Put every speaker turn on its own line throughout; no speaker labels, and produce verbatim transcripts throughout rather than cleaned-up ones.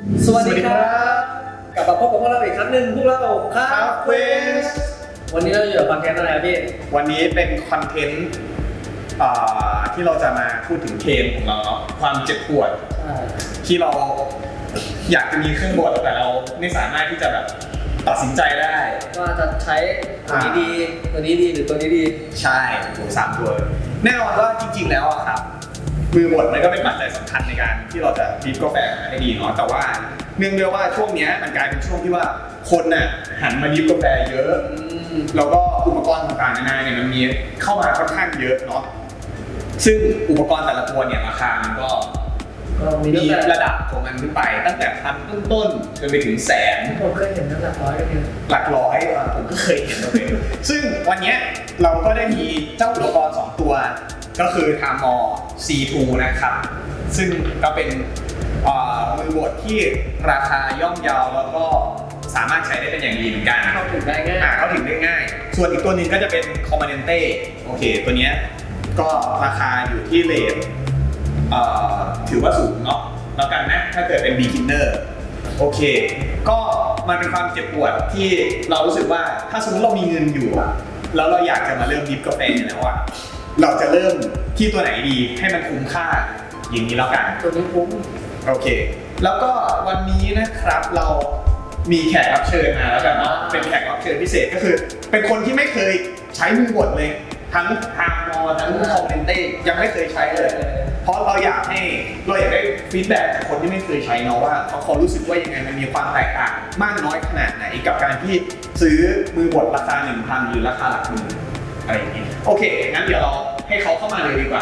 สวัสดีครับกลับมาพบกับพวกเราอีกครั้งหนึ่งพวกเราครับเวสวันนี้เราอยู่กับคอนเทนต์อะไรพี่
วันนี้เป็นคอนเทนต์ที่เราจะมาพูดถึงเพลงของเราเนาะความเจ็บปวดที่เราอยากจะมีเครื่องบดแต่เราไม่สามารถที่จะแบบตัดสินใจได้
ว่าจะใช้ตัวนี้ดีตัวนี้ดีหรือตัวนี้ดี
ใช่ตัวสามตัวแน่นอนว่าจริงๆแล้วอะครับมือบดมันก็เป็นปัจจัยสำคัญในการที่เราจะดริฟกาแฟให้ดีเนาะแต่ว่าเนื่องด้วยว่าช่วงนี้มันกลายเป็นช่วงที่ว่าคนน่ะหันมาดริฟกาแฟเยอะแล้วก็อุปกรณ์ต่างๆนานาเนี่ยมันมีเข้ามาค่อนข้างเยอะเนาะซึ่งอุปกรณ์แต่ละตัวเนี่ยราคามันก็มีระดับของมันขึ้นไปตั้งแต่พันต้นๆจนไปถึงแสน
ผมเคยเห็นหลักร้อยก็มี
หลักร้อยผมก็เคยเห็นเลยซึ่งวันนี้เราก็ได้มีเจ้าอุปกรณ์สองตัวก็คือ Thermor ซี ทู นะครับซึ่งก็เป็นมือบดที่ราคาย่อมเยาแล้วก็สามารถใช้ได้เป็นอย่างดีเหมือนกัน
เข้าถึงได้ง่าย
เข้าถึงได้ง่ายส่วนอีกตัวนึงก็จะเป็น Comandante โอเคตัวนี้ก็ราคาอยู่ที่เรทถือว่าสูงเนาะแล้วกันนะถ้าเกิดเป็น beginner โอเคก็มันเป็นความเจ็บปวดที่เรารู้สึกว่าถ้าสมมติเรามีเงินอยู่อะแล้วเราอยากจะมาเริ่มดริฟกาแฟแล้วอะเราจะเริ่มที่ตัวไหนดีให้มันคุ้มค่าอย่างนี้แล้วกัน
ตัวนี้คุ้ม
โอเคแล้วก็วันนี้นะครับเรามีแขกรับเชิญมาแล้วกันเนาะเป็นแขกรับเชิญพิเศษก็คือเป็นคนที่ไม่เคยใช้มือบดเลยทั้ง Thermor ทั้ง Comandante ยังไม่เคยใช้เลยเพราะเราอยากให้เราอยากได้ฟีดแบ็กจากคนที่ไม่เคยใช้เนาะว่าเขาเขารู้สึกว่ายังไงมันมีความแตกต่างมากน้อยขนาดไหนกับการที่ซื้อมือบดราคา หนึ่งพัน หรือราคาหลักหมื่นอะไรอย่างนี้โอเคงั้นเดี๋ยวเราให้เขาเข้ามาเลยดีกว่า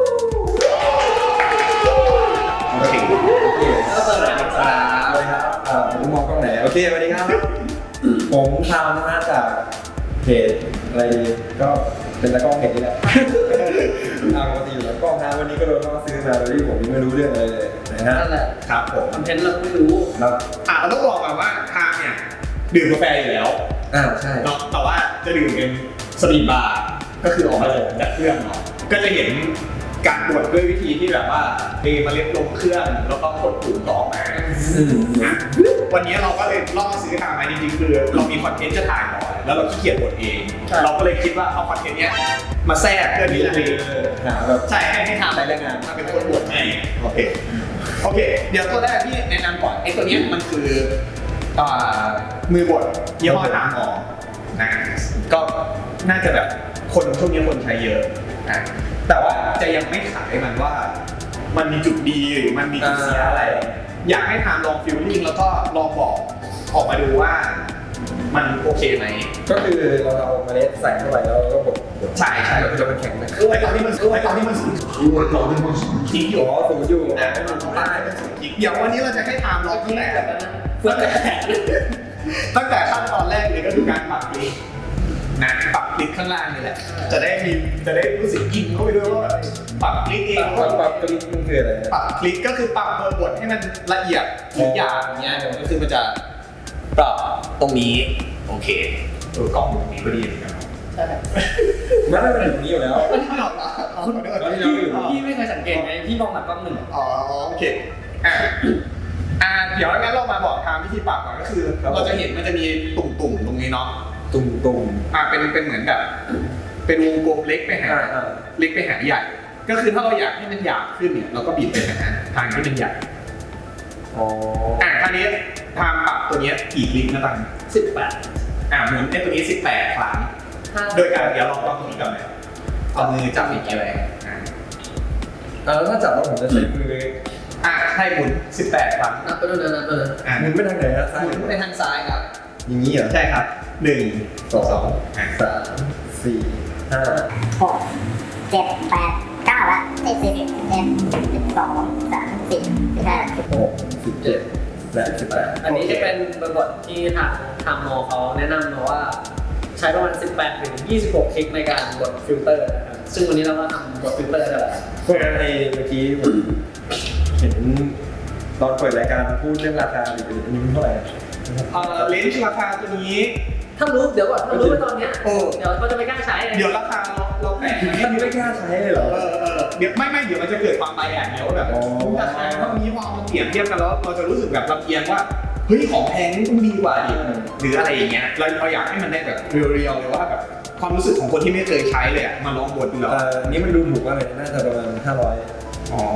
โอเค
ก็เปิดเลยครับ
สวัสดีครับผมมองกล้องไหนโอเคสวัสดีครับผมทำนะจากเพจอะไรก็เป็นตากล้องเพจนี่แหละปกติอยู่แล้วกล้องนะวันนี้ก็โดนเขาซื้อมาโดยที่ผมยังไม่รู้เรื่องอะไรเลยนะฮะ
นั่นแหละ
ครับผม
คอนเทนต์เราไม่รู้
ครับ
อ่ะเราต้องบอกก่อนว่าทางเนี่ยดื่มกาแฟอยู่แล้ว
อ่าใช่
แต่ว่าจะดื่มเป็นสตรีทบาร์ก็คือออกมาจากเครื่องเนาะก็จะเห็นการบดด้วยวิธีที่แบบว่าเทเมล็ดลงเครื่องแล้วก็กดปุ่มต่อมาวันนี้เราก็เลยล่อซื้อทางมาจริงๆคือเรามีคอนเทนต์จะถ่ายหน่อยแล้วเราขี้เกียจบดเองเราก็เลยคิดว่าเอาคอนเทนต์เนี้ยมาแทรกเพื่อที่จะ
หาแบบ
ใช่ให้ให้ทำรายงานมาเป็นคนบดให้โอเคโอเคเดี๋ยวตัวแรกที่แนะนำก่อนไอ้ตัวนี้มันคือมือบดยี่ห้อThermorนะก็น่าจะแบบคนช่วงนี้คนใช้เยอะนะแต่ว่าจะยังไม่ขายมันว่ามันมีจุดดีหรือมันมีจุดเสียอะไรอยากให้ทำลองฟิลลิ่งแล้วก็ลองบอกออกมาดูว่ามันโอเคไหม
ก็คือเราเอาเมล็ดใส่เข้าไปแล้วก็บด
ใช่ใช่
จะมันแข็งนะ
ไอ้ตอนนี้มันไอ้ตอนนี้มันสูงไอ้ตอนนี้มันสูงจริงอยู่
อ๋อสูงอยู่
นะมันต้องได้มันสูงจริงเดี๋ยววันนี้เราจะให้ทำลองตั้งแต่ตั้งแต่ตั้งแต่ขั้นตอนแรกเลยก็คือการปรับคลิกนะปรับคลิกข้างล่างนี่แหละจะได้มีจะได้รู้สึกยิงเข้าไปด้วยว่าปรับคลิกเอง
ปรับปรับคลิกมันคืออะไร
ปรับคลิกก็คือปรับเบอร์บทให้มันละเอียดทุกอย่างอย่างเงี้ยก็คือมันจะปรับตรงนี้โอเคเออกล้องตรงนี้ก็ดีเหมือนกัน
ใช่
ไม่ไม่เป็นแบบนี้อยู่แล้ว
ไม่หรอกพี่ไม่เคยสังเกตไงพี่มองหลังกล้องหนึ่ง
อ๋อโอเคอ่ะอ่ะเดี๋ยวงั้นเรามาบอกทางวิธีปรับก่อนก็คือเราจะเห็นมันจะมีตุ่มๆตรงนี้เนาะ
ตุ่มตุ่ม
อ่าเป็นเป็นเหมือนแบบเป็นวงกลมเล็กไปหาเล็กไปหาใหญ่ก็คือถ้าเราอยากให้มันหยาบขึ้นเนี่ยเราก็บีบไปหาทางที่เป็นใหญ่
อ๋อ
อ่าคราวนี้ทางปรับตัวนี้กี่คลิกนะตัง
สิบแปด
อ่าหมุนไอ้ตัวนี้สิบแปดครั้งโดยการเดี๋ยวลองลองตรงนี้ก่อนเลยเอามือจับอีกทีเลยอ่า
แล้วถ้าจับแล้วผมจะใช้มือ
อ่าให้หมุนสิบแปดครั้ง
นับไปเลยนับไปเลย
อ่า
หมุนไปทางไหนครับ
หมุนไปทางซ้ายครับ
อย่างนี้เหรอ
ใช่ครับหนึ่งสอง
สามสี่ห้า
หกเจ็ดแปดเก้าละสิบสิบเอ็ดสิบสองสามสิบสิบห้าสิบหก
สิบเจ็ดและสิบแปด
อันนี้จะเป็นบทที่ทางทางมอเขาแนะนำมาว่าใช้ประมาณสิบแปดถึงยี่สิบหกคลิกในการบดฟิลเตอร์นะครับซึ่งวันนี้เราก็ทำบดฟิลเตอร์ได้แล้ว
เพราะในเมื่อกี้ผมเห็นตอนเปิดรายการพูดเรื่องราคาอยู่อันนี้เท่าไหร่
เอ่อเลนส์ราคาตัวนี้
ถ้ารู้เดี๋ยวก่อนถ้ารู้ไปตอนเนี้ย
โอ้
เดี๋ยวเขาจะไม่กล้าใช้
เดี๋ยวราคาเราเราแปะไว้
ท่านไม่กล้าใช้เลยเหรอ
เออเออเดี๋ยวไม่ไม่เดี๋ยวมันจะเกิดความไบแอสเนี่ยว่าแบบ
อ๋อ
ราคาเท่านี้พอเอามาเปรียบเทียบกันแล้วเราจะรู้สึกแบบลำเอียงว่าเฮ้ยของแพงนี่ต้องดีกว่าดิหรืออะไรอย่างเงี้ยเราเราอยากให้มันได้แบบเรียวๆเลยว่าแบบความรู้สึกของคนที่ไม่เคยใช้เลยอะมาลองบดดูแล้ว
เอ่อนี่มันดูถูกมากเลยน่าจะประมาณห้าร้อย
อ๋อ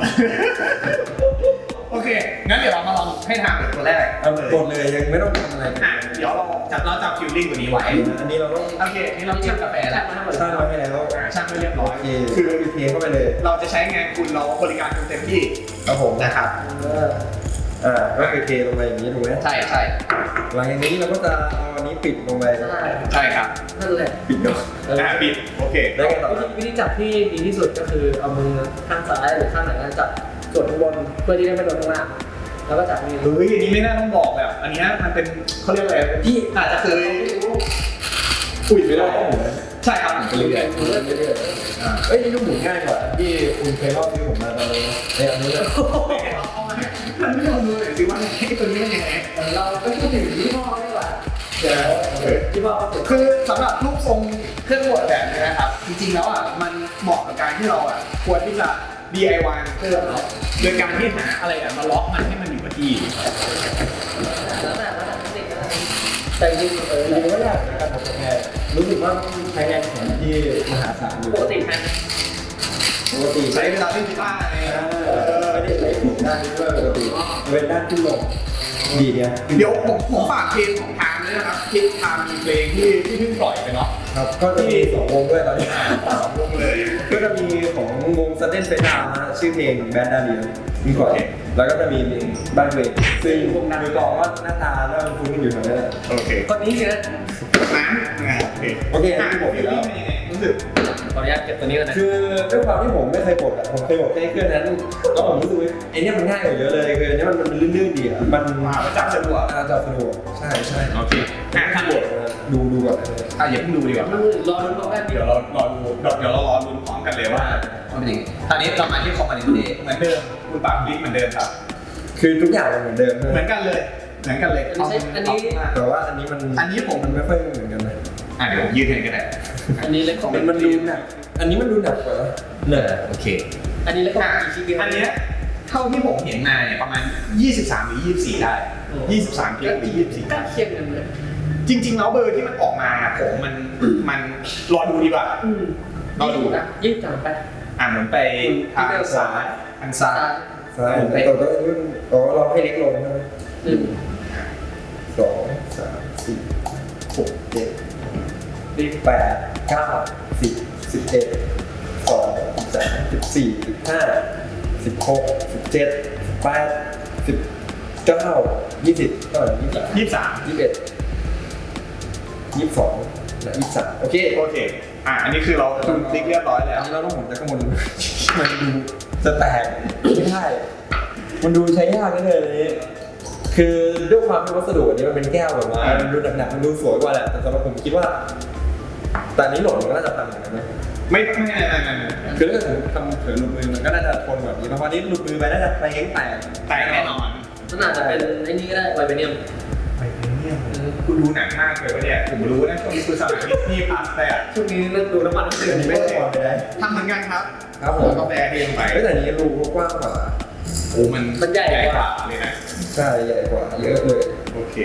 โอเค งั้นเดี๋ยวเรามาลองให้ทางเป็นตัวแรก
เอากดเลยยังไม่ต้องทำอะไร
อ่ะเดี๋ยวเราจับเราจับฟิลลิ่งตัวนี้ไว้
อันนี้เราต้อง
โอเค นี่เราชั่งกาแฟแล้ว
สร้างไว้ให้แล้ว
อ่ะชั่งไว้เรียบร้อย
โอเค
คือ
คือเทเข้าไปเลย
เราจะใช้งานคุณเราบริการคุณเต็มที่
ครับผม
นะครับ
เออ
อ่าก็คือเทลงไปอย่างนี้ถูกไหม
ใช่ใช่
หลังจากนี้เราก็จะเอาอันนี้ปิดลงไป
ใช่
ใช่ครับ
นั่นแหละ
ปิดก่อน
เออ
อ่ะปิด โอเค
ได้ไงต่อ
วิธีวิธีจับที่ดีที่สุดก็คือเอามือข้างซ้ายหรือข้างไหนก็จับส่วนข้างบนเพื่อที่ได้ไม่โดนข้างล่างแล้วก็จับมือ
เฮ้ย อันนี้ไม่น่าต้องบอกแบบ อันเนี้ยมันเป็นเขาเรียกอะไรพี่อาจจะเคยอุ้ยไม่ได้ใช่ครับผมไปเรื่อย
เรื่อยๆเรื่อย
ๆอ่า
เอ้ยนี่ดูหมุนง่ายกว่าที่คุณเคยเล่าที่ผมมาตอนนี้ในอันนี้เลย
เอามาให้ท่านผู้ชมดูหน่อยสิว่าไอ้ตัวนี้มันยังไง
ๆเราก็พูดถึงยี่ห้อดีกว่า
เดี๋ยวเออ
ยี่ห้อก็ถูก
คือสำหรับรูปทรงเครื่องบดแบบนี้นะครับ จริงๆแล้วอ่ะมันเหมาะกับการที่เราอ่ะควรที่จะ ดี ไอ วาย เครื่องเนาะโดยการที่หาอะไรอ่ะมาล็อกมันให้มันอยู่กับที่
แล้วแต่แล้วแต่เทคนิคก็ได้แต่จริงๆเออ
จริงๆก็ยากในการทำกาแฟรู้สึกว่าใช้แรงแขนที่มหาศาลอยู่
ปกติแพง
ปกติ
ใช้เวลาเล่นกีตาร์ไง
เออไม่ได้ใช้ถูกด้านนี้ด้วยปกติเป็นด้านขึ้นลงดีเนี่ย
เดี๋ยวผมผมฝากเพลงของทางด้วยนะครับที่ทางมีเพลงที่ที่เพิ่งปล่อยไปเนาะ
ครับก็จะมีสองวงด้วยตอนนี้
สองวงเลย
ก็จะมีของวง Sudden Fate Down นะชื่อเพลง Bad Daddy มีก่อนแล้วก็จะมีเพลงบ้านเวทซึ่งมือกลองก็หน้าตาหน้าคุ้นๆอยู่แถวนั้นแหละ
โอเค
คนนี้สินะ
น้ำนะโอเค
โอเค
อ่ะ
ที่
ผ
ผม ม
เป็
เห็
น
น
ยั
แล้ว
งไงรู้สึก
ขออนุญาตเก็บตัวนี้ก่อนนะ
คือด้วยความที่ผมไม่เคยบดอะผมเคยบดแค่เครื่องนั้นแล้วผมรู้สึกว่าไอ้เนี่ยมันง่ายกว่าเยอะเลยคืออันนี้มันมันลื่นๆดีอะมัน
มาประจับสะดวก
อาจับสะดวกใช่ใช่
โอเคอ่ะทางบท
ดูดูก่อน
อ่ะอย่าเพิ่งดูดีกว่า
รอรุ้นพร้อมกันดี
เดี๋ยวเรารอดูเดี๋ยวเรารอลุ้นพร้อมกันเลยว่ามันเป็นยังไงตอนนี้เรามาที่คอมมานด์เดย์เหมือนเดิมคุณปากลิกเหมือนเดิมครับ
คือทุกอย่างมันเหมือนเดิม
เหมือนกันเลย เหมือนกันเลย
อันนี้ใช่อันนี้
แต่ว่าอันนี้มัน
อันนี้ผม
มันไม่ค่อยเหมือนกันนะ
อ่ะเดี๋ยวผมยืนให้กันได้
อันนี้เล็กของ
มันมันดูหนักอันนี้มันดูหนักกว่าหนัก
โอเค
อันนี้เล็กของ
อ่ะ
อีกทีเดียว
อันเนี้ยเท่าที่ผมเห็นมาเนี่ยประมาณยี่สิบสามหรือยี่สิบสี่ได้ยี่สิบสามกิโลหรือยี่สิบสี่
ใกล้เคียงกันเลย
จริงๆแล้วเบอร์ที่มันออกมาผมมันมันรอดูดีกว่า
อืม
รอดู
นะยี่สิบสามไป
อ่ะเหมือนไปทางซ้ายทางซ้าย
ใช่แต่ก็อ๋อเราให้เล็กลงใช่ไหม
หนึ่ง
สองสามสี่หกเจ็ด
ดี
แปดเก้าสิบสิบเอ็ดสองสามสิบสี่สิบห้าสิบหกสิบเจ็ดสิบแปดสิบเก้ายี่สิบเท่าไหร่ยี่สิบ
ยี่สิบสาม
ยี่สิบเอ็ดยี่สิบสองและยี่สิบสามโอเค
โอเคอ่ะอันนี้คือเราคุณคลิกเรียบร้อยแล้
อั
วน
นี้เราต้องหมุนจากข้างบนมันดูจะแตกไม่ได้มันดูใช้ยากนิดเลยอันนี้คือด้วยความที่วัสดุอันนี้มันเป็นแก้วแบบว่ามันดูหนักๆมันดูสวยกว่าแหละแต่สำหรับผมคิดว่าแต่อันนี้หล่นมันก็น่าจะพังเหมือนกันนะ
ไม่ไม่ไม่ไม่ไม่
คือถ้าเกิดทำเผยหลุดมือมันก็น่าจะทนแบบนี้เพราะว่านี้หลุดมือไปน่าจะไปเองแตก
แต่แน่นอน
มันอาจจะเป็นไอ้นี่ก็ได้ไวเบเนียม
ไปเนี่ยคุณดูหนังมากเลยวะเนี่ยผมรู้นะช่วงนี้คือสมัยที่พาสแต่
ช่วงนี้เริ่มดูน้ำมันน้ำ
อั
เดือน ด
นี้ไม่ได้ก่อนไปได้
ทำเหมือนกันครับ
ครับผม
แล้วก็แบร์เรียงไป
แต่อันนี้รูกว้างกว่า
โอ้มันใหญ่กว่าเลยนะ
ใช่ใหญ่กว่าเยอะเลย
โอเค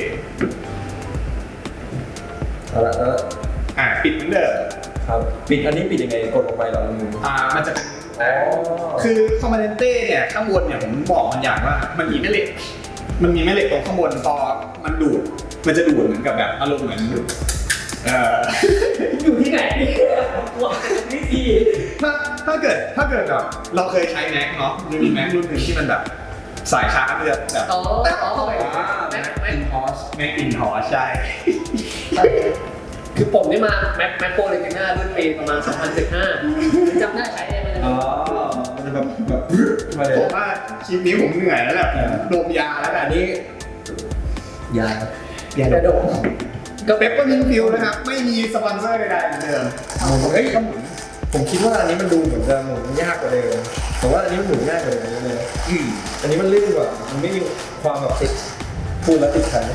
เอาละแล้ว
อ่ะปิดเหมือนเดิม
ครับปิดอันนี้ปิดยังไงกดลงไปเหรอมือ
อ่ามันจะเป็น
อ๋อ
คือคอมมานเดนเต้เนี่ยข้างบนเนี่ยผมบอกมันอย่างว่ามันมีแม่เหล็ก มันมีแม่เหล็กตรงข้างบนพอมันดูด มันจะดูดเหมือนกับแบบอารมณ์เหมือนดูดเอ่อ
อยู่ที่ไหนกลัววิธี
ถ้าถ้าเกิดถ้าเกิดแบบเราเคยใช้แม็กเนาะมันมีแม็กรุ่นหนึ่งที่มันแบบสายชาร์จมันจะแบบ
อ๋อ
แต่
อ๋อ
เข้าไป
แม็ก
แม็ก
แม็
อิ
ก
นฮอสแม็กอินฮอสใช่
คือผมนี่มาแม็กแม็กโปรเลติน่ารุ่นปีประมาณสองพันสิบห้าจำได้ใช้ได้ไหม
อ๋อมันจะแบบแบบมาเลย
ผมว่าคลิปนี้ผมเหนื่อยแล้วแหละดมยาแล้วกัน
อันนี้ยา
ยาก
ระโดด
ก็เปปเปอร์มินต์ฟิลนะครับ ไม่มีสปอนเซอร์ใดๆเหมือนเดิม
เฮ้ยก็หมุนผมคิดว่าอันนี้มันดูเหมือนจะหมุนยากกว่าเดิมแต่ว่าอันนี้มันหมุนง่ายกว่าเดิมเยอะเลย
อืม
อันนี้มันลื่นกว่ามันไม่มีความแบบติดพูดแล้วติดขัด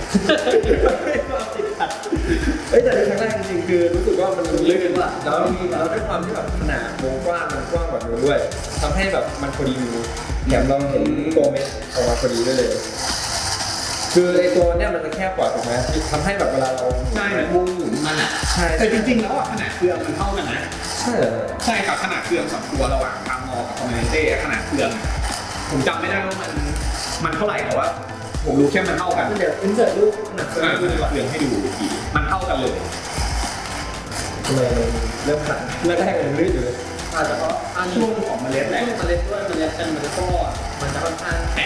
เอ้ยแต่ในครั้งแรกจริงๆคือรู้สึกว่ามันลื่นว่ะแล้วแล้วด้วยความที่แบบขนาดวงกว้างมันกว้างกว่านู้นด้วยทำให้แบบมันพอดีมือแถมเราเห็นตัวเม็ดออกมาพอดีด้วยเลยคือไอตัวเนี้ยมันจะแคบกว่าถูกไหมทำให้แบบเวลาเรา
ใช่วงหมุนมันอ่ะ
ใช่
แต่จริงๆแล้วอ่ะขนาดเครื่องมันเท่ากันนะ
ใช่เหรอ
ใช่ครับขนาดเครื่องสองตัวระหว่างทามอกับคอมเมนเต้ขนาดเครื่องผมจำไม่ได้ว่ามันมันเท่าไหร่แต่ว่าผมรู้แค่มันเท่ากัน
เดี๋ยวอินเสิร์ตรูปหนัก
อ่าคือเครื่องให้ดูอีกทีมันเท่ากันเลย
ทำไมเริ่มขันแรกๆยังลื่นอยู่เลย
อาจจะเพราะอัน
ช่วงของเมล็ดแหละ
ช่วงเมล็ดด้วยเมล็ดกันมันก็มันจะค่อนข้างแข็ง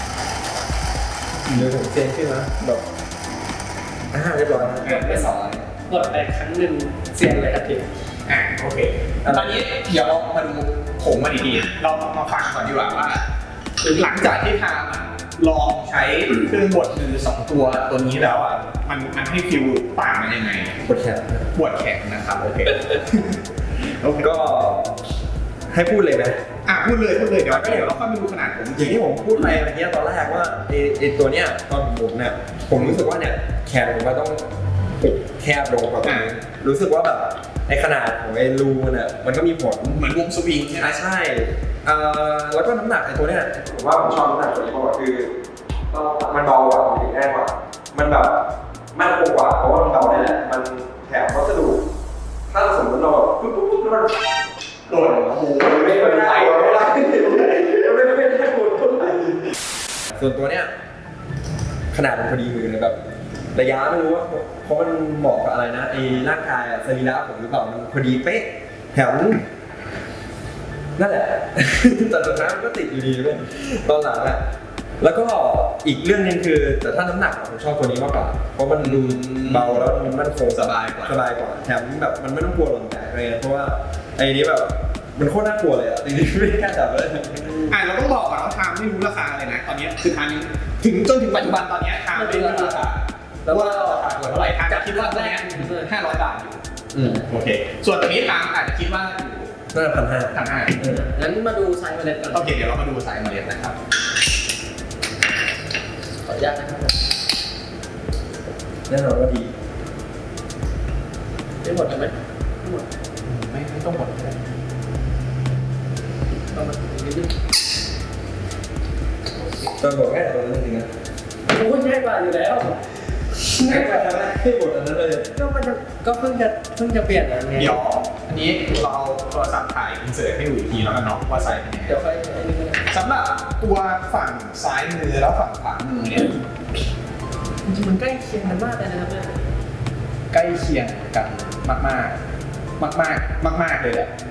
เดี๋ยวผมเซนขึ้นนะแบบอ่าเรียบร้อยนะ
ไม่สอนกดไปครั้งหนึ่งเสียงเลยทันที
อ่ะโอเคตอนนี้เดี๋ยวเรามาดูผงมันดีๆเรามาฟังก่อนดีกว่าว่าหลังจากที่ทามอ่ะลองใช้เครื่องบดมือสองตัวตัวนี้แล้วอ่ะมันมันให้ฟิลต่างกันยังไง
ปวดแขน
ปวดแขนนะครับโอเคโอเค
ก็ให้พูดเลยนะ
อ่ะพูดเลยพูดเลยเดี๋ยวเดี๋ยวเราค่อยมาดูขนาดผม
อย่างที่ผมพูดไปเมื่อกี้ตอนแรกว่าไอ้ไอ้ตัวเนี้ยตอนผมเนี่ยผมรู้สึกว่าเนี่ยแขนผมมันต้องปุกแคบลงกว่าตรงนี้รู้สึกว่าแบบไอ้ขนาดของไอ้รูเนี่ยมันก็มีผล
เหมือนวงสวิงใช่ไหม
อ่ะใช่เอ่อแล้วก็น้ำหนักไอ้ตัวเนี้ยผมว่าผมชอบน้ำหนักตัวนี้เพราะว่าคือมันเบากว่ามันแน่กว่ามันแบบมันคงกว่าเพราะว่ามันเบาได้แหละมันแถมวัสดุถ้าสมมติเราแบบปุ๊บปุ๊บปุ๊บแล้วมัน
โดนโอ้โห
ไม่เป็นไรไม่ได้ไม่ได้ไม่ได้พูดส่วนตัวเนี้ยขนาดมันพอดีมือเลยแบบระยะไม่รู้ว่าเพราะมันเหมาะกับอะไรนะไอ้ร่างกายอะสรีระผมหรือเปล่ามันพอดีเป๊ะแถมนั่นแหละแต่สุดท้ายมันก็ติดอยู่ดีเลยตอนหลังอะแล้วก็อีกเรื่องนึงคือแต่ถ้าน้ำหนักผมชอบตัวนี้มากกว่าเพราะมันดูเบาแล้วมันมั่นคง
สบายกว่า
สบายกว่าแถมแบบมันไม่ต้องกลัวหล่นแตกอะไรเงี้ยเพราะว่าไอ้นี้แบบมันโคตรน่ากลัวเลยอ่ะจริงๆไม่กล้าจับเลย
อ่ะเราต้องบอกก่อนว่าทามไม่รู้ราคาเลยนะตอนนี้คือทามถึงจนถึงปัจจุบันตอนนี้ทามไม่รู้ราคาแล้วว่าราคาเท่าไหร่ทามจะคิดว่าตัวนี้ห้าร้อยบาทอยู่
อืม
โอเคส่วนตัวนี้ทามอาจจะคิดว่าอยู่
น่าจะพันห้า
พันห้า
งั้นมาดูไซส์เมล็ดกัน
โอเคเดี๋ยวเรามาดูสายเมล็ดนะครับ
ขออนุญาตนะครับ
แน่นอนว่าดี
ได้หมดไหมไม่หมด
ไม่ไม่ต้องหมดก็ได้
ประมาณนิดนึง
ตอนบอกง่ายตอนนั้นจริงๆนะ
โอ้ยง่ายกว่าอยู่แล้วง่ายกว่าทำไม
ให้หมดอันนั้นเลย
ก็มันจะก็เพิ่งจะเพิ่งจะเปลี่ยนอะไรไง
เดี๋ยวอันนี้เราเอาโทรศัพท์ถ่ายอินเสิร์ตให้ดูอีกทีแล้วกันเนาะว่าไซส์เป็นยังไง
เดี๋ยวค่อยไอ้นี่ก็ได้
สำหรับตัวฝั่งซ้ายมือแล้วฝั่งขวามือเนี่ย
จริงๆมันใกล้เคียงกันมากเลยนะครับเนี่ย
ใกล้เคียงกันมากมากมากมากมากมากๆเลยแหละ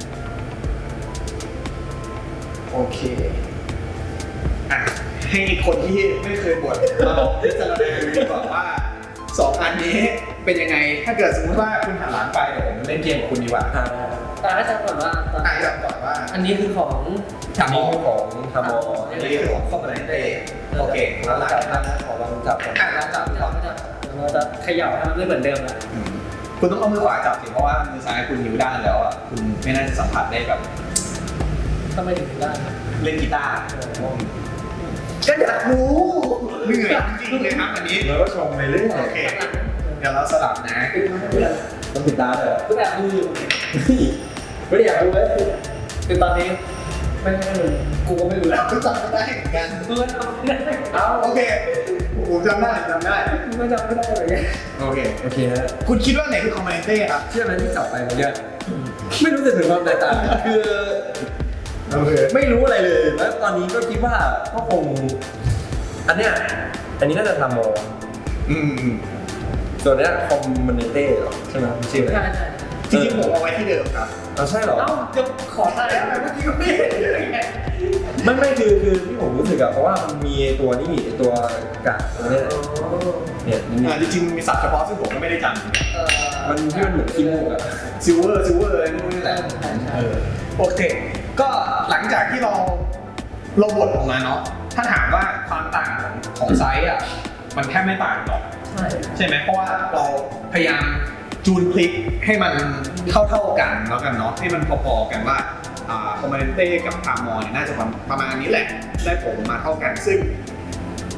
โอเคอ่ะให้คนที่ไม่เคยบวชมาลองพิจารณาดูดีกว่าว่าสองอันนี้เป็นยังไงถ้าเกิดสมมติว่าคุณหันหลังไปเดี๋ยวผมเล่นเกมกับคุณดีกว่า
อ่า
ตาให้จำก่อนว่าตอน
อ่ะจำก่อนว่า
อันนี้คือของ
อันนี้คือของทามอ
อันนี้คือของคอมเมนเต้โอเค
แล้
แล้ว ว
ห
ห
ลั
ลั
ง
ง
จา
จาก ก
นั้
นั้น น
ขอลองจับก่อน
อ่ะเราจับ
เรา
ก่อน
จะเราจะเขย่าให้มันไม่เหมือนเดิมละ
อืมคุณต้องเอามือขวาจับสิเพราะว่ามือซ้ายคุณนิ้วด้านแล้วอ่ะคุณไม่น่าจะสัมผัสได้แบบ
ทำไมถึงได้
เล่นกีตาร์ก็อยากรู้เหนื่อยจริงๆเลยครับอันนี้
แล้วก็ชมไปเรื่อย
โอเค เดี๋ยวเราสลับนะ
ต้องติดตาเลย
ก็แบบดูอยู่
ไม่ได้อยากดูเลย
คือตอนนี้ไม่ไม่รู้กูก็ไม่รู้แล้ว
ก็จำไม่ได้เหมือนกัน
กูก็จำไม่ได้
เอาโอเคผมจำได้จำได้
กูก็จำไม่ได้เลย
โอเค
โอเคฮะ
คุณคิดว่าไหนคือคอมเมนเต้ครับ
เชื่อไหมที่จับไปเมื่อกี้ไม่รู้สึกถึงความแตกต่างคือ
โอเค
ไม่รู้อะไรเลย แล้วตอนนี้ก็คิดว่าก็คง อันเนี้ย อันนี้น่าจะทำโม
อืมอืม
ส่วนเนี้ยคอมมานเต้หรอใช่ไหมชื่ออะไร
ใช่ใช่
จริงๆผมเอาไว้ที่เดิมครับ
อ๋อใช่เหรอ
เอ้าจะขอทายอะไรเมื่อกี้ก็ไม่เห็นเลยไง
ไม่ไม่คือคือที่ผมรู้สึกอะเพราะว่ามันมีตัวนี่ตัวกากตัวเนี้ยเนี่ยนี่
อ่าจริงๆมีศัพท์เฉพาะซึ่งผมก็ไม่ได้จำ
เออ
มันที่มันเหมือนขี้มูกอะ
ซิลเวอร์ซิลเวอร์อะไรนู่นนี่แหละเออโอเค ก็หลังจากที่เราเราบดออกมาเนาะถ้าถามว่าความต่างของของไซส์อ่ะมันแทบไม่ต่างหรอก
ใช่
ใช่ไหมเพราะว่าเราพยายามจูนพลิกให้มันเท่าๆกันแล้วกันเนาะให้มันพอๆกันว่าอ่าคอมเมนเต้กับพามอเนี่ยน่าจะประมาณนี้แหละได้ผลมาเท่ากันซึ่ง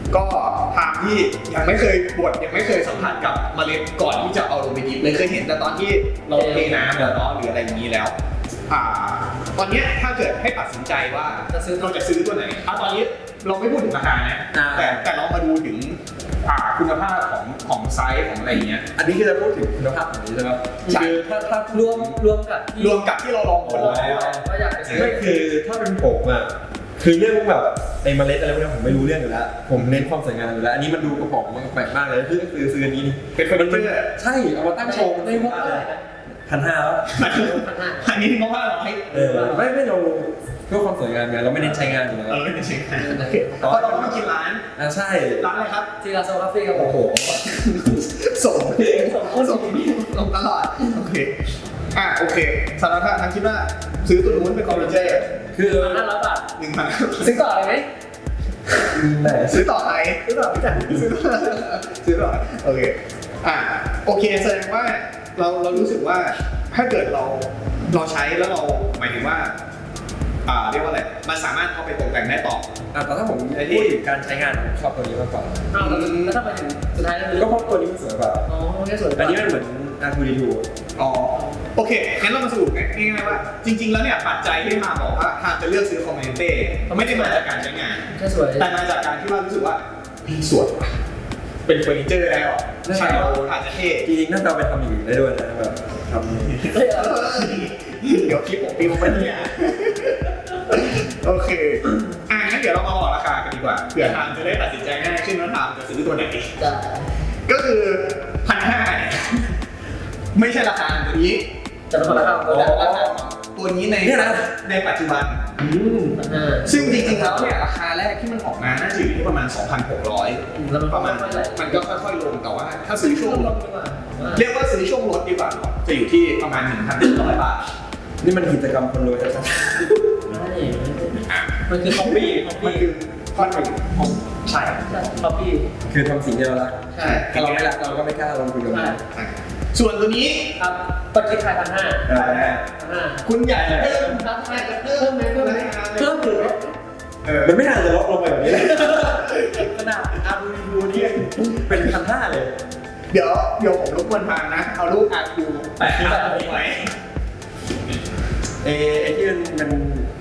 ก็ทางที่ยังไม่เคยบดยังไม่เคยสัมผัสกับเมล็ดก่อนที่จะเอาลงไปดิบเลยเคยเห็นแต่ตอนที่เราเทน้ำแล้วเนาะหรืออะไรอย่างนี้แล้วอ่าตอนเนี้ยถ้าเกิดให้ตัดสินใจว่า
จะซื้อ
เราจะซื้อตัวไหนอ่ะตอนนี้เราไม่พูดถึงราคานะแต่แต่เรามาดูถึงอ่าคุณภาพของของไซส์ของอะไรอย่างเงี้ย
อันนี้คือจะพูดถึงคุณภาพของนี้ใช่ไหมคือถ้าถ้าร
วมรวมกับที่
รวมกับที่เราลองผลแล้ว
ก็อยากจะซื้อ
ไม่คือถ้าเป็นผมอ่ะคือเรื่องแบบไอ้เมล็ดอะไรพวกนี้ผมไม่รู้เรื่องอยู่แล้วผมเน้นความสวยงามอยู่แล้วอันนี้มันดูกระป๋องมันแปลกมากเลยคือคือซื้ออันนี้นี่
เป็นเฟอร์นิเจอร์
ใช่เอามาตั้งโชว์
ในงบเท่าไหร่นะ
พันห้าแล้ว
อันนี้งบห้าร้อย
เออไม่ไม่เราเพื่อความสวยงามไงเราไม่เน้นใช้งานอยู่แล้ว
เออไม่ใช่เพราะเราต้องมากินร้าน
อ่าใช่
ร้านอะไรครับ
ทีละโซลาฟี่กับผม
โอ้โห
ส่งเองส่งส่งส่งตลอดโอเคอ่ะโอเคสารพัดทางคิดว่าซื้อตัวนู้นเป็นคอมพิวเตอร์
คือ
พันห้าร้อยบาท
หนึ่งพัน
ซื้อต่อเลยไหม
ไหน
ซื้อต่อไหน
ซื้อต่อพี่จัน
ซื้อต่อซื้อต่อโอเคอ่ะโอเคแสดงว่าเราเรารู้สึกว่าถ้าเกิดเราเราใช้แล้วเราหมายถึงว่าอ่าเรียกว่าอะไรมันสามารถเอาไปตกแต่งได้ต่อ
อ่ะแต่ถ้าผมพูดถึงการใช้งานผมชอบตัวนี้มากกว่า
อ้าวแล้วถ้าไปถึงสุดท้ายแล้ว
ก็เพราะตัวนี้มันสวยกว่า
อ๋อแค่สวย
อันนี้มันเหมือน อาร์ ทู ดี ทู
อ๋อโอเคงั้นเรามาสรุปง่ายๆว่าจริงๆแล้วเนี่ยปัจจัยที่มาบอกว่าหากจะเลือกซื้อคอมเมนเต้ไม่ได้มาจากการใช้งาน
แค่สวย
แต่มาจากการที่ว่ารู้สึกว่าพี่สวยว่ะเป็นเฟอร์นิเจอร์แล้วใช่เราอาจจะเท่
จริงๆน่าจะเอาไปทำอย่างอื่นได้ด้วยนะแบบทำ
เฮ้ยเอา
เดี๋ยวคลิปผมปิวไปเนี่ยโอเคอ่ะงั้นเดี๋ยวเรามาบอกราคากันดีกว่าเผื่อทามจะได้ตัดสินใจง่ายขึ้นว่าทามจะซื้อตัวไหน
จะ
ก็คือพันห้าไม่ใช่ราคาตัวนี้
จะเป็นคนละข้าว
แต่ราคาตัวนี้ในในปัจจุบัน
อืมพันห้า
ซึ่งจริงๆแล้วเนี่ยราคาแรกที่มันออกมาน่าจะอยู่ที่ประมาณ สองพันหกร้อย
แล้วมัน
ประมาณ
ค่อยๆไหล
มันก็ค่อยๆลงแต่ว่าถ้าซื้อช่วง
ลงดีกว่า
เรียกว่าซื้อช่วงลดดีกว่าเนอะจะอยู่ที่ประมาณ หนึ่งพันหนึ่งร้อย บาท
นี่มันกิจกรรมคนรวยชัด
ไม่มันคือคอปปี้คอป
มัน
ปี้
คือข้อหนึ่งของใช่
คอปปี้
ๆคือทำสิ่งที่เรารัก
ใช่
ถ้าเราไม่รักเราก็ไม่กล้าลงทุนกับมัน
ใช่ส่วนตัวนี้
ครับปัจจุบันพันห้า
อ่า
พันห้า
คุณอยากจะเพิ่ม
ครับเพิ่มไหมเพิ่มไหมเพิ่มถึง
เออ
มันไม่น่าจะลดลงไปแบบนี้เลย
ขนาดอาร์ดูดูนี่
เป็นพันห้าเลย
เดี๋ยวเดี๋ยวผมรบกวนทางนะ เอารูปอาร์คูแปะหน้าผมไว้
เอไอที่มันมัน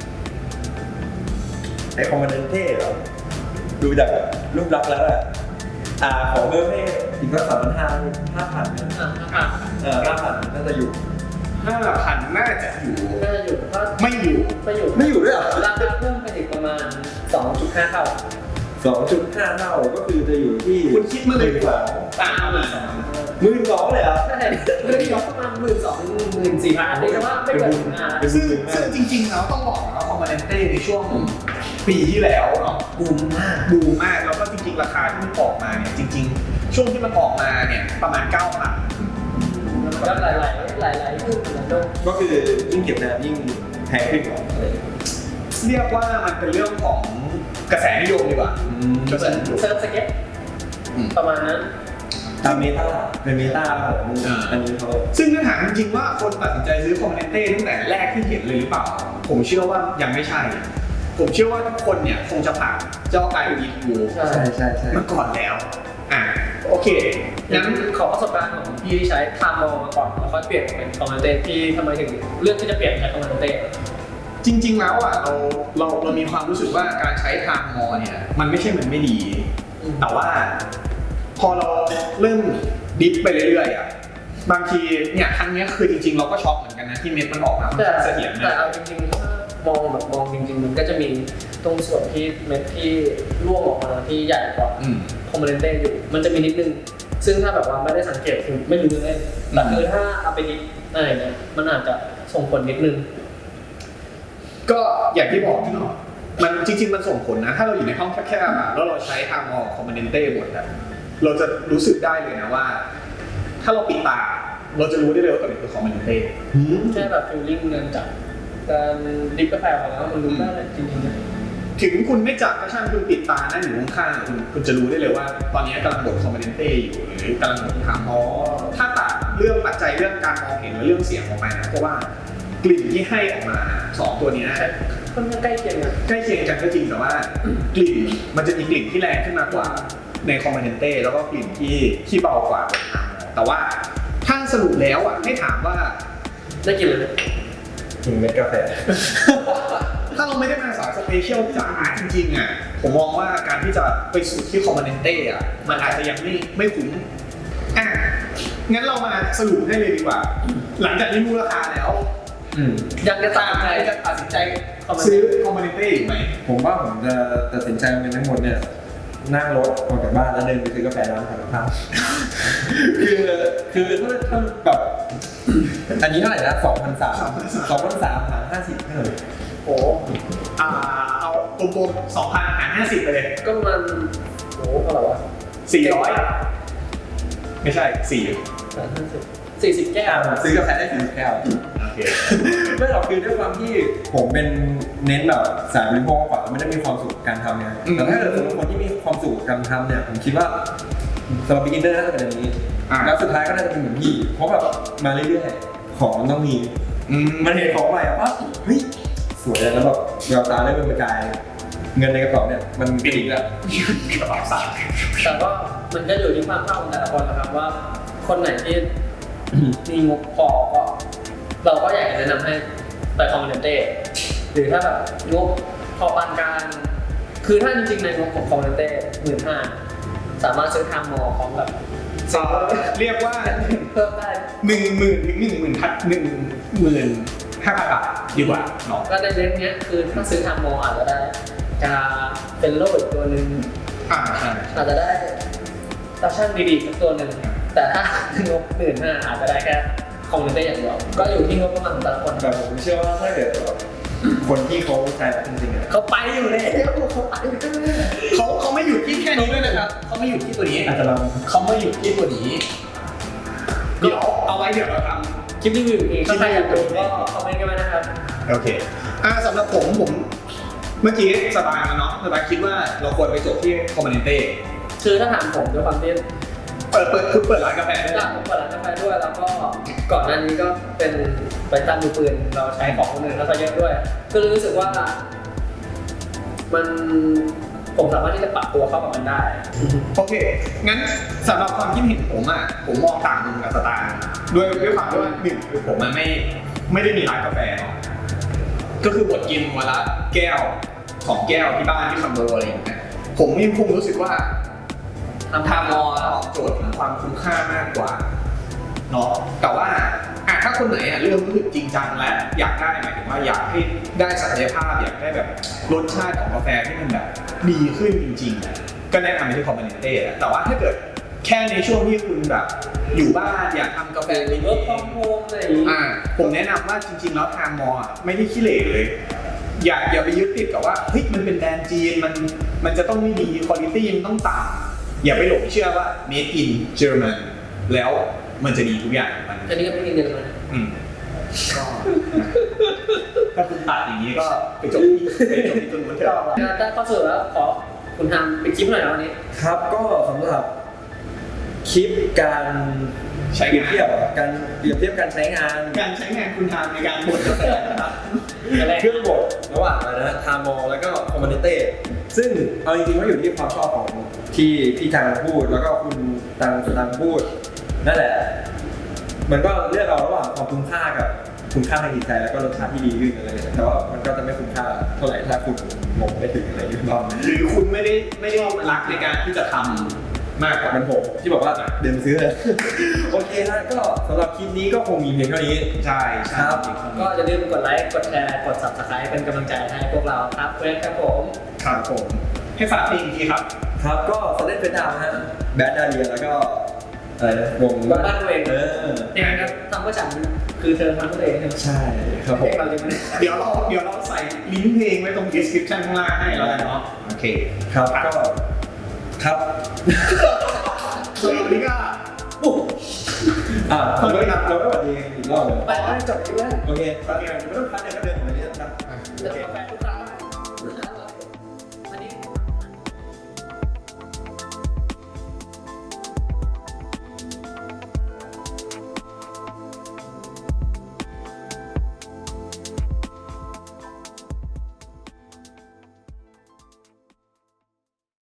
ไอคอมมานเดนเท่เหรอดูจากรูปลักษณ์แล้วอะอ่าขอเพิ่มให้อีกสักสามพันห้าห้าพันเนี่ย
อ่ะครับ
เออห้าพันน่าจะอยู่
ห้าพันน่าจะอยู่
น่าจะอยู่ถ้า
ไม่อยู่
ไม่อยู่
ไม่อยู่ด้วยเหรอ
ราคาเพิ่มไปอีกประมาณ สองจุดห้า เท่า
สองจุดห้าเท่าก็คือจะอยู่ที่
คุณคิดมาเลย
ห
ดี
น
กว่า
สอง
ต่างกันมา
หมื่นสองเลยเหรอ
ใช่เรื่องยกประมาณหมื่นสองหมื่นสี่พันเรียกว่าไม่เกินหมื่นห้า
ซึ่งซึ่งจริงๆแล้วต้องบอกนะว่าคอมมานเต้ในช่วงปีที่แล้วเนาะ
บูมมาก
บูมมากแล้วก็จริงๆ ราคาที่มันออกมาเนี่ยจริง ๆ ช่วงที่มันออกมาเนี่ยประมาณ เก้าพัน
แล้วหลายหลายหลายหลายๆขึ้นเหมือนกัน
ก็คือยิ่งเก็บนานยิ่งแพงขึ้นเหรอ
เรียกว่ามันเป็นเรื่องของกระแสนิยมดีกว่า
เหมือนเซิร์ฟสเก็ตประมาณนั้น
ตามเมตาเป็นเมตาของอันนี้เขา
ซึ่งถ้าถามจริงๆว่าคนตัดสินใจซื้อคอมมานเต้ตั้งแต่แรกที่เห็นเลยหรือเปล่า ผมเชื่อว่ายังไม่ใช่ ผมเชื่อว่าทุกคนเนี่ยคงจะผ่านเจ้าไอวีทู
ใช่
ใช่ใช่ใช่
มาก่อนแล้วอ่ะโอเค
งั้
งั้
น
น
ขอประสบการณ์ของพี่ที่ใช้ทามโมมาก่อนแล้วค่อยเปลี่ยนเป็นคอมมานเดนที่ทำไมถึงเลือกที่จะเปลี่ยนใช้คอมมานเดน
จริงๆแล้วอ่ะเราเราเรามีความรู้สึกว่าการใช้ทางมอเนี่ยมันไม่ใช่มันไม่ดี แต่ว่า พอเราเริ่มดิฟไปเรื่อยๆอ่ะบางทีเนี่ยครั้งเนี้ยคือจริงๆ เราก็ช็อกเหมือนกันนะที่เม็ดมันออกมาค่อน
แต่
ข้างเสถียร
แต่
นะ
เอาจริงๆถ้ามองแบบมองจริงๆมันก็จะมีตรงส่วนที่เม็ดที่ร่วงออกมาที่ใหญ่กว่า
อืม
คอมมานเดนอยู่ มันจะมีนิดนึง ซึ่งถ้าแบบว่าไม่ได้สังเกตคือไม่รู้เลยแต่คือถ้าเอาไปดิฟอะไรเงี้ยมันอาจจะส่งผลนิดนึง
ก็อย่างที่บอกที่เนาะมันจริงๆมันส่งผลนะ ถ้าเราอยู่ในห้องแคบๆอ่ะแล้วเราใช้ทางมอคอมมานเต้หมดอ่ะเราจะรู้สึกได้เลยนะว่า ถ้าเราปิดตา เราจะรู้ได้เลยว่าตัวไหนคือคอมมานเต้
แค่แบบฟิลลิ่งเงินจากการดิฟกาแฟของเรามันรู้ได้เลยจริงๆนะ
ถึงคุณไม่จับก็ช่างคุณปิดตานั่งอยู่ข้างๆคุณคุณจะรู้ได้เลยว่า ตอนนี้กำลังบดคอมมานเต้อยู่หรือกำลังบดทางมอถ้าตัดเรื่องปัจจัยเรื่องการมองเห็นและเรื่องเสียงออกไปนะเพราะว่ากลิ่นที่ให้ออกมาสองตัวนี้
ใช่ก็ค่อนข้างใกล้เคียงกัน
ใกล้เคียงกันก็จริงแต่ว่ากลิ่นมันจะมีกลิ่นที่แรงขึ้นมากว่าในคอมเมนเต้แล้วก็กลิ่นที่ที่เบากว่าแต่ว่าถ้าสรุปแล้วอ่ะให้ถามว่า
ได้กินเลย
กินเม็ดกาแฟ
ถ้าเราไม่ได้มาสายสเปเชียลจ๋าจริงๆอ่ะผมมองว่าการที่จะไปสู่ที่คอมเมนเต้อ่ะมันอาจจะยังไม่ไม่คุ้มอ่ะงั้นเรามาสรุปให้เลยดีกว่า หลังจากที่รู้ราคาแล้ว
อืม
ยังจะตามใจ
จะตัดสินใจ
คอมเมน
ซื้อ
ต์
คอมเมนเต้อีกไหม
ผมว่าผมจะตัดสินใจเป็นทั้งหมดเนี่ยนั่งรถออกจากบ้านแล้วเดินไปซื้อกาแฟร้านขายกับข้าวคือคือถ้าถ้าแบบอันนี้เท่าไหร่นะสองพันสามสองพันสามหารห้าสิบเท่าไหร่
โอ้
อ่าเอากลมๆสองพันหารห้าสิบไปเลย
ก็มันโอ้เท่าไหร่วะ
สี่ร้อยไม่ใช่สี่
สามห้าสิบสี่สิบแก้ว
อ่าผมซื้อกาแฟได้สี่สิบแก้ว
โอเค
ไม่หรอกคือด้วยความที่ผมเป็นเน้นแบบสายบริโภคมากกว่าไม่ได้มีความสุขกับการทำเนี่ยแต่ถ้าเกิดสมมติคนที่มีความสุขกับการทำเนี่ยผมคิดว่าสำหรับ beginner น่าจะเป็นอันนี้
อ่า
แล้วสุดท้ายก็น่าจะเป็นเหมือนพี่เพราะแบบมาเรื่อยๆของมันต้องมี
อืม
มันเห็นของใหม่อะปั๊บเฮ้ยสวยแล้วแบบแววตาได้เป็นประกายเงินในกระเป๋าเนี่ยมันกระดิกแล้ว
กระเป๋าสั่น
แต่ก็มันก็อยู่ที่ความชอบของแต่ละคนนะครับว่าคนไหนที่มีงบพอก็เราก็อยากจะแนะนำให้ไปคอมเมนเต้หรือถ้าแบบงบพอปานกลางคือถ้าจริงๆในงบของคอมเมนเต้หมื่นห้าสามารถซื้อทางมอของแบบ
เอ่อเรียกว่า
เพิ่มได้
หนึ่งหมื่นถึงหนึ่งหมื่นทัดหนึ่งหมื่นห้าพันบาทดีกว่าเนาะ
ก็ในเลนส์เนี้ยคือถ้าซื้อทางมออาจจะได้กาเป็นโลอีกตัวหนึ่ง
อ่าใช่
อาจจะได้ตาช่างดีๆสักตัวหนึ่งแต่ถ้างบหมื่นห้าอาจจะได้แค่คอมเมนเต้อย่างเดียวก็อยู่ที่งบประมาณของแต่ละคน
แต่ผมเชื่อว่าถ้าเกิดแบบคนที่เขาใช้จริงๆอะ
เขาไปอยู่แล้วเขาไปอยู่แล้ว
เขาเขาไม่หยุดที่แค่นี้ด้วยนะครับเขาไม่หยุดที่ตัวนี้
อาจจะลอง
เขาไม่หยุดที่ตัวนี้เดี๋ยวเอาไว้เดี๋ยวเราท
คลิปรีวิวอีกถ้าใครอยากดูก็คอมเมนต์กันมานะครับ
ำโอเคอ่าสำหรับผมผมเมื่อกี้สบายแล้วเนาะสบายคิดว่าเราควรไปจบที่คอมเมนเต้
คือถ้าถามผมด้วยความที่
เปิดเปิดคือเปิดร้านกาแฟได้
หลังผมเปิดร้านกาแฟด้วยแล้วก็ก่อนหน้านี้ก็เป็นไปตั้งดูปืนเราใช้ของคนอื่นแล้วก็เยอะด้วย ก็เลยรู้สึกว่า มันผมสามารถที่จะปรับตัวเข้ากับมันได้
โอเค งั้นสำหรับความคิดเห็นผมอ่ะ ผมมองต่างมุมกับสตาร์ด้วยด้วยความที่ว่าหนึ่งคือผมมันไม่ไม่ได้มีร้านกาแฟเนาะ ก็คือบดกินวันละแก้วสองแก้วที่บ้านที่คอนโดอะไรอย่างเงี้ย ผมยังคงรู้สึกว่าทำทามอตอบโจทย์ของความคุ้มค่ามากกว่าเนาะ แต่ว่าอ่ะถ้าคนไหนอ่ะเริ่มรู้สึกจริงจังและอยากได้หมายถึงว่าอยากให้ได้ศักยภาพอยากได้แบบรสชาติของกาแฟที่มันแบบดีขึ้นจริงๆอ่ะก็แนะนำไปที่คอมเมนเต้แหละแต่ว่าถ้าเกิดแค่ในช่วงที่คุณแบบอยู่บ้านอยากทำกาแฟ
หรือว่าคอมโฮมอะไรอย่างนี้
อ่าผมแนะนำว่าจริงๆแล้วทางมออะไม่ได้ขี้เหร่เลย อย่าอย่าไปยึดติดกับว่าเฮ้ยมันเป็นแบรนด์จีนมันมันจะต้องไม่ดีคุณภาพมันต้องต่ำอย่าไปหลงเชื่อว่า made in German แล้วมันจะดีทุกอย่างมัน
อันนี้ก็ไม่มีเงินมา
อืมก็ถ้าคุณตัดอย่างนี้ก็ไปจบที่ไปจบที่ตัวนู้นเถ
ก็
อะ
ได้ข้อสรุปแล้วขอคุณทำเป็นคลิปหน่อยนะวันนี้
ครับก็สำหรับคลิปการ
ใช้
เปรียบ
งาน
เทียบการเปรียบเทียบการใช้งาน
การใช้งานคุณทางในการบดกาแฟนะครับ
เครื่องบดระหว่างอะไรนะทามอลแล้วก็คอมมานเต้ซึ่งเอาจริงๆว่าอยู่ที่ความชอบของที่พี่จางพูดแล้วก็คุณตังตังพูดนั่นแหละ มันก็เลือกเอาระหว่างความคุ้มค่ากับคุณค่าทางจิตใจแล้วก็รสชาติที่ดีขึ้นอะไรอย่างเงี้ยแต่ว่ามันก็จะไม่คุ้มค่าเท่าไหร่ถ้าคุณงงไม่ถึงอะไรอย่างเงี้ย
หรือคุณไม่ได้ไม่ได้รักในการที่จะทำมากกว่า
มันผมที่บอกว่าเดินไปซื้อเลย โอเคฮะก็สำหรับคลิปนี้ก็คงมีเพียงเท่านี้
ใช่ใช่
ครับ
ก็อย่าลืมกดไลค์ กดแชร์ กด ซับสไครบ์ เป็นกำลังใจให้พวกเราครับเพื่อนครับผม
ครับผมให้ฝากเพลงอีกทีครับ
ครับก็สเล่นเป็นดาวฮะแบดดาเรียแล้วก็อะไรนะวง
บ้านเวง
เออ
เนี่ยครับทำก็ฉันคือเธอทำตัวเองใช่ไหม
ใช่ครับผ
เพล
ม
งเราเลยมัน
เดี๋ยวเราเดี๋ยวเราใส่ลิงก์เพลงไว้ตรง description ข้างล่างให้แล้วกันเนาะโอเค
ครับก็ครับ
ส่วนวันนี้ก็
อ่าเราไม่เราไม่หวัดดีอีกรอบเลย
ไปแล้วจบคลิปแล้ว
โอเคโอเคไม่ต้องพักเนี่ยก็เดินออกมาเนี่ยครับ
จะกาแฟทุกครั้ง